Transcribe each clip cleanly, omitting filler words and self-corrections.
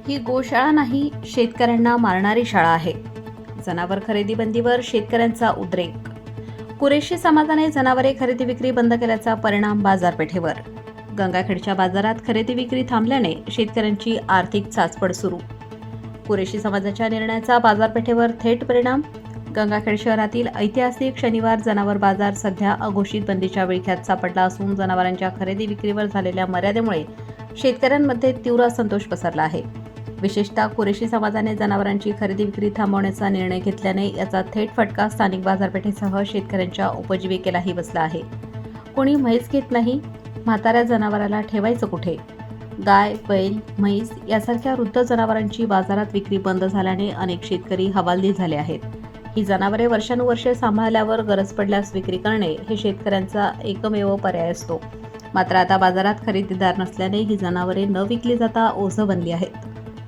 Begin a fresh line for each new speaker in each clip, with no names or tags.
ही गोशाळा नाही, शेतकऱ्यांना मारणारी शाळा आहे. जनावर खरेदी बंदीवर शेतकऱ्यांचा उद्रेक. कुरेशी समाजाने जनावरे खरेदी विक्री बंद केल्याचा परिणाम बाजारपेठेवर. गंगाखेडच्या बाजारात खरेदी विक्री थांबल्याने शेतकऱ्यांची आर्थिक चाचपड सुरू. कुरेशी समाजाच्या निर्णयाचा बाजारपेठेवर थेट परिणाम. गंगाखेड शहरातील ऐतिहासिक शनिवार जनावर बाजार सध्या अघोषित बंदीच्या विळख्यात सापडला असून जनावरांच्या खरेदी विक्रीवर झालेल्या मर्यादेमुळे शेतकऱ्यांमध्ये तीव्र असंतोष पसरला आहे. विशेषतः कुरेशी समाजाने जनावरांची खरेदी विक्री थांबवण्याचा निर्णय घेतल्याने याचा थेट फटका स्थानिक बाजारपेठेसह शेतकऱ्यांच्या उपजीविकेलाही बसला आहे. कोणी म्हैस घेत नाही, म्हाताऱ्या जनावराला ठेवायचं कुठे? गाय, बैल, म्हैस यासारख्या वृद्ध जनावरांची बाजारात विक्री बंद झाल्याने अनेक शेतकरी हवालदिल झाले आहेत. ही जनावरे वर्षानुवर्षे सांभाळल्यावर गरज पडल्यास विक्री करणे हे शेतकऱ्यांचा एकमेव पर्याय असतो. मात्र आता बाजारात खरेदीदार नसल्याने ही जनावरे न विकली जाता ओझं बनली आहेत.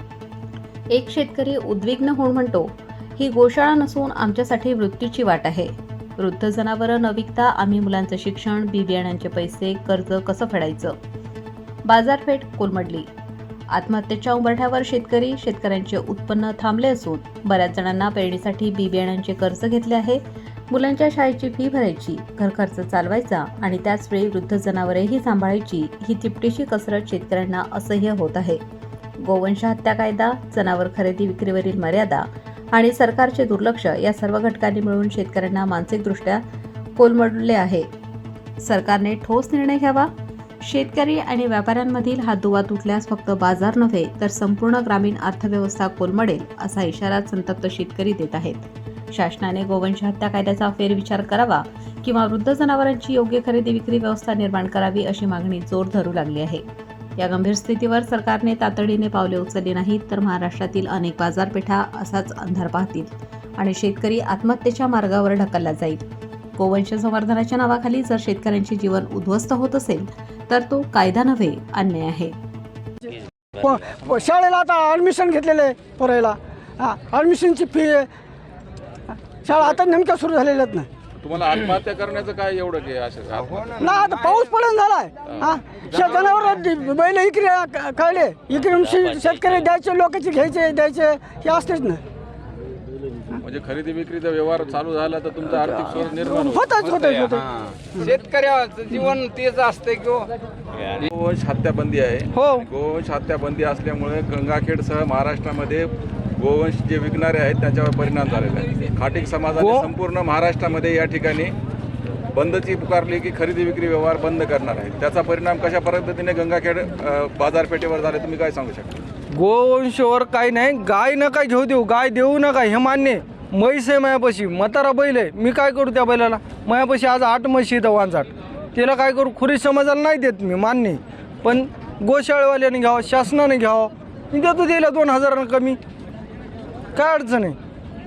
एक शेतकरी उद्विग्न होऊन म्हणतो, ही गोशाळा नसून आमच्यासाठी मृत्यूची वाट आहे. वृद्ध जनावरं न विकता आम्ही मुलांचं शिक्षण, बी बियाण्यांचे पैसे, कर्ज कसं फेडायचं? बाजारपेठ कोलमडली. आत्महत्येच्या उंबरठ्यावर शेतकऱ्यांचे उत्पन्न थांबले असून बऱ्याच जणांना पेरणीसाठी बी बियाण्यांचे कर्ज घेतले आहे. मुलांच्या शाळेची फी भरायची, घरखर्च चालवायचा आणि त्याचवेळी वृद्ध जनावरेही सांभाळायची ही तिपटीची कसरत शेतकऱ्यांना असह्य होत आहे. गोवंश हत्या कायदा, जनावर खरेदी विक्रीवरील मर्यादा आणि सरकारचे दुर्लक्ष या सर्व घटकांनी मिळून शेतकऱ्यांना मानसिकदृष्ट्या कोलमडले आहे. सरकारने ठोस निर्णय घ्यावा. शेतकरी आणि व्यापाऱ्यांमधील हा दुवा तुटल्यास फक्त बाजार नव्हे तर संपूर्ण ग्रामीण अर्थव्यवस्था कोलमडेल असा इशारा संतप्त शेतकरी देत आहेत. शासनाने गोवंश हत्या कायद्याचा फेरविचार करावा किंवा वृद्ध जनावरांची योग्य खरेदी विक्री व्यवस्था निर्माण करावी अशी मागणी जोर धरू लागली आहे. या गंभीर स्थितीवर सरकारने तातडीने पावले उचलली नाहीत तर महाराष्ट्रातील अनेक बाजारपेठा असाच अंधार पाहतील आणि शेतकरी आत्महत्येच्या मार्गावर ढकलला जाईल. गोवंश संवर्धनाच्या नावाखाली जर शेतकऱ्यांचे जीवन उद्ध्वस्त होत असेल तर तो कायदा नव्हे, अन्याय आहे.
शाळेला आता ॲडमिशन घेतलेले पोरायला, ॲडमिशनची फी, शाळा आता नेमक्या सुरू झालेल्या आहेत ना.
तुम्हाला आत्महत्या करण्याचं काय एवढं की असं
ना आता पाऊस पडून झालाय. जनावर बैल इकडे कळले, इकडे शेतकरी द्यायचे, लोकांचे घ्यायचे द्यायचे हे असतेच ना.
म्हणजे खरेदी विक्रीचा व्यवहार चालू झाला तर तुमचं आर्थिक स्रोत निर्माण
होत.
शेतकऱ्याचं जीवन तेच असते किंवा
गोवंश हत्याबंदी आहे.
हो.
गोवंश हत्याबंदी असल्यामुळे गंगाखेडसह महाराष्ट्रामध्ये गोवंश जे विकणारे आहेत त्यांच्यावर परिणाम झालेला आहे. खाटीक समाजाने संपूर्ण महाराष्ट्रामध्ये या ठिकाणी बंदची पुकारली की खरेदी विक्री व्यवहार बंद करणार आहे. त्याचा परिणाम कशा पद्धतीने गंगाखेड बाजारपेठेवर झाले तुम्ही काय सांगू शकता?
गोवंशवर काही नाही, गाय नका घेऊ देऊ, गाय देऊ नका हे मान्य. म्हैस आहे मायापाशी, म्हातारा बैल आहे, मी काय करू त्या बैलाला? मायापाशी आज 8 म्हशी इथं वांजाट, तिला काय करू? खुरी समाजाला नाही देत मी, मान्य. पण गोशाळेवाल्याने घ्यावं, शासनाने घ्यावं, मी देतो द्यायला 2000 कमी, काय अडचण आहे?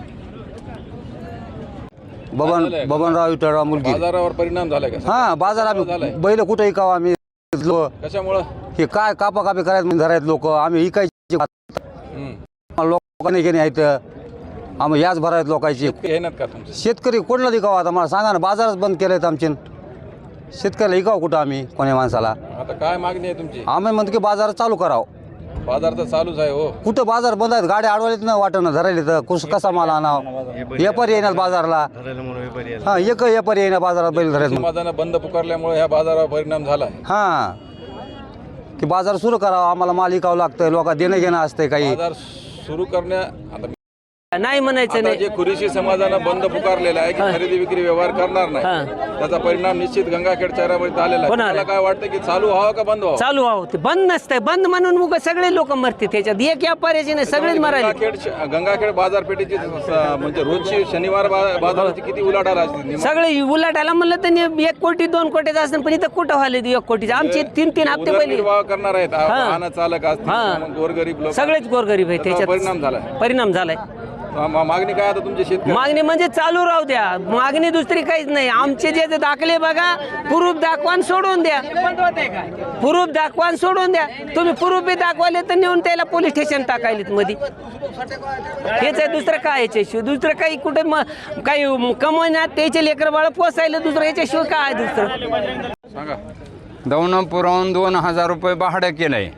बबनराव विठ्ठलराव मुलगी.
बाजारावर परिणाम झालाय का?
हा, बाजार आम्ही बैल कुठे इकावं आम्ही?
कशामुळं?
हे काय कापाकापी करायचं धरायत लोक, आम्ही इकायचे लोकांनी घेणे आहेत, आम्ही याच भरायत लोकांची.
घेणार का तुमचं?
शेतकरी कोणला इकावं? आता मला सांगा ना, बाजारच बंद केलेत आमचे. शेतकऱ्याला इकावं कुठं आम्ही कोण्या माणसाला?
आता काय मागणी आहे तुमची?
आम्ही म्हणतो की बाजार चालू करावं.
बाजार तर चालूच आहे हो.
कुठं बाजार बंद आहेत? गाड्या अडवलीत ना वाटणं धरायला तर कसा माल आणावं? व्यापारी येणार बाजारला. हा, एक व्यापारी येणार बाजारात बैल धरायचं.
समाजानं बंद पुकारल्यामुळे ह्या बाजारावर परिणाम झाला आहे.
हा, की बाजार सुरू करावा, आम्हाला माल विकावं लागतं, लोक देणं घेणं असतंय काही.
बाजार सुरू करण्या आता
नाही म्हणायचं
आता
नाही.
जे कुरेशी समाजानं बंद पुकारलेला आहे की खरेदी विक्री व्यवहार करणार नाही, त्याचा परिणाम निश्चित गंगाखेड शहरामध्ये झालेला आहे. मला काय वाटतं की चालू व्हावं का बंद व्हावं?
चालू आहो, ते बंद नसतंय. बंद म्हणून मग सगळे लोक मरते त्याच्यात, एक व्यापाऱ्याचे नाही, सगळेच मरायले.
गंगाखेड बाजारपेठेची म्हणजे रोजची शनिवार बाजाराची किती उलाढाल असते?
सगळे उलाटायला म्हणलं तर 1 कोटी 2 कोटीचं असतं, पण इथं कुठं व्हायला 1 कोटीचं? आमचे 3 हप्ते पहिले
उदरनिर्वाह करणार आहेत, वाहन चालक असतील, गोरगरीब लोक,
सगळेच गोरगरीब आहे. त्याच्यात परिणाम झालाय.
मागणी काय आता तुमची शेतकरी?
मागणी म्हणजे चालू राहू द्या, मागणी दुसरी काहीच नाही. आमचे जे दाखले बघा, प्रूफ दाखवा सोडून द्या, प्रूफ दाखवा सोडून द्या. तुम्ही प्रूफ बी दाखवाले तर नेऊन त्याला पोलीस स्टेशन टाकायलेत मध्ये. हेच आहे, दुसरं काय याच्याशिवाय? दुसरं काही कुठे काही कमवण्यात त्याचे लेकर बाळ पोसायला दुसरं याच्याशिवाय काय दुसरं?
सांगा.
दौंडापुराहून 2000 रुपये भाडं केलंय.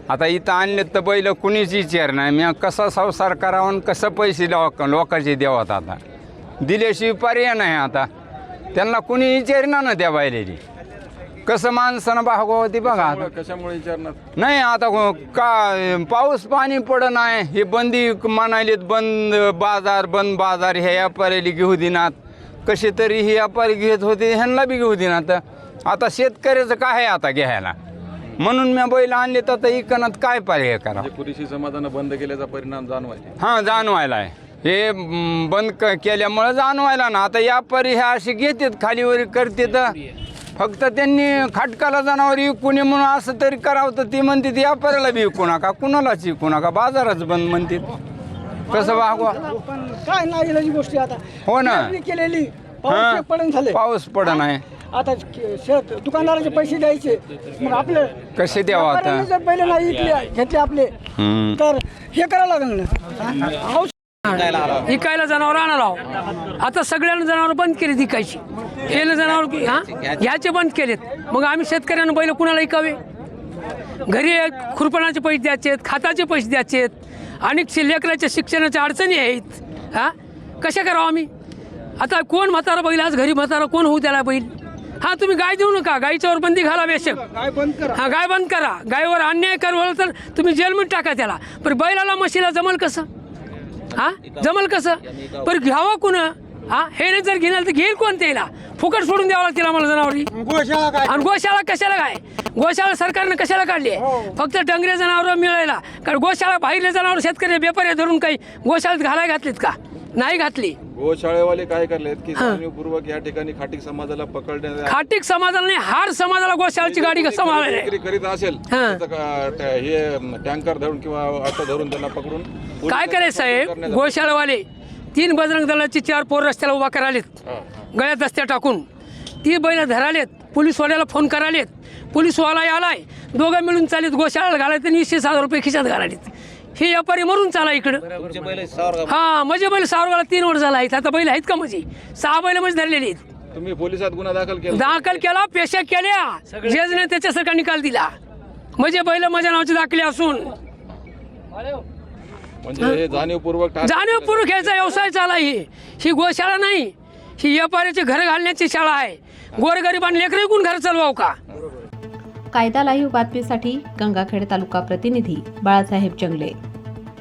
आता इथं आणले तर बैल कुणीच विचार नाही. मी कसा संसार करावा आणि कसं पैसे लोकांचे द्यावात. आता दिल्याशिवाय पर्याय नाही. आता त्यांना कुणी विचारना ना त्या बैलाची कसं माणसानं भागवावं ते बघा. आता
कशामुळे विचारणार
नाही आता का पाऊस पाणी पड नाही. हे बंदी म्हणालेत बंद बाजार ह्या व्यापाऱ्याला घेऊ देणार. कसे तरी हे व्यापारी घेत होते ह्यांना बी घेऊ देणार. आता शेतकऱ्याचं काय आहे आता घ्यायला. म्हणून मी बैल आणले तर आता इकनात काय पर्याय करा.
कुरेशी समाजानं बंद केल्याचा परिणाम जाणवायचे.
हां जाणवायला आहे. हे बंद केल्यामुळं जाणवायला ना. आता व्यापारी हे असे घेतात खालीवर करते तर फक्त त्यांनी खाटकाला जनावर विकू नये म्हणून असं तरी करावं तर ती म्हणते व्यापाऱ्याला बी विकू नका कुणालाच विकू नका बाजारच बंद म्हणते. कसं भागवा.
पण काय नाही इलाजी गोष्टी आता
हो ना.
पेरणी केलेली
हां.
पाऊस पडून झाले.
पाऊस पड नाही.
आता शेत दुकानदाराचे पैसे द्यायचे मग आपले
कसे द्यावं आता.
व्यापाऱ्यांनी जर पहिले नाही विकले घेतले आपले तर हे करावं लागेल ना.
विकायला जनावर आणायला. आता सगळ्यांना जनावर बंद केली विकायची. हे जनावर ह्याचे बंद केलेत. मग आम्ही शेतकऱ्यांना बैल कुणाला विकावे. घरी खुरपणाचे पैसे द्यायचे खाताचे पैसे द्यायचे आणि लेकराच्या शिक्षणाच्या अडचणी आहेत. हां कशा करावं आम्ही. आता कोण म्हातारा बैल आज घरी म्हातारा कोण होऊ त्याला बैल. हां तुम्ही गाय देऊ नका. गायीच्यावर बंदी घाला बेशक. हां गाय बंद करा. गायीवर अन्याय करवलं तर तुम्ही जेलमध्ये टाका त्याला. पण बैलाला म्हशीला जमल कसं. हां जमल कसं. पण घ्यावं कोण. हां हे नाही जर घेणार तर घेईल कोण त्याला. फुकट सोडून द्यावं लागतील आम्हाला जनावरी. आणि गोशाळा कशाला काय. गोशाळा सरकारनं कशाला काढली आहे. फक्त डंगरे जनावरं मिळायला. कारण गोशाळा बाहेरले जनावर शेतकरी व्यापारी धरून काही गोशाळेत घालायला घातलीत का. नाही घातली.
गोशाळेवाले काय करलेत की जाणीवपूर्वक या ठिकाणी खाटीक समाजाला पकडण्यात
खाटीक समाजाला नाही हार समाजाला गोशाळेची गाडी सांभाळायला
विक्री करीत असेल हे टँकर धरून किंवा ऑटो धरून त्यांना पकडून
काय करायचं साहेब. गोशाळेवाले 3 बजरंग दलाची 4 पोर रस्त्याला उभा करालेत गळ्यात दस्त्या टाकून. ती बैल धरालेत. पोलीसवाल्याला फोन करालेत. पोलीसवाला आलाय. दोघं मिळून चालेत गोशाळेला घालायत आणि 20,000 रुपये खिशात घालालेत. हे व्यापारी मरून चाला इकडं. हां म्हणजे बैल सावरगाला 3 वर्ष झाला आहेत. आता बैल आहेत का म्हणजे 6 बैल म्हणजे धरलेली आहेत.
तुम्ही पोलिसात गुन्हा
दाखल केला पेशा केल्या जजने त्याच्यासारखा निकाल दिला. म्हणजे बैल माझ्या नावाचे दाखले असून
म्हणजे जाणीवपूर्वक
ह्याचा व्यवसाय चाला. ही गोशाळा नाही. ही व्यापाऱ्याचे घर घालण्याची शाळा आहे. गोरगरिबांना लेकरं विकून घर चालवावं का.
कायदा लाईव्ह बातमीसाठी गंगाखेड तालुका प्रतिनिधी बाळासाहेब जंगले.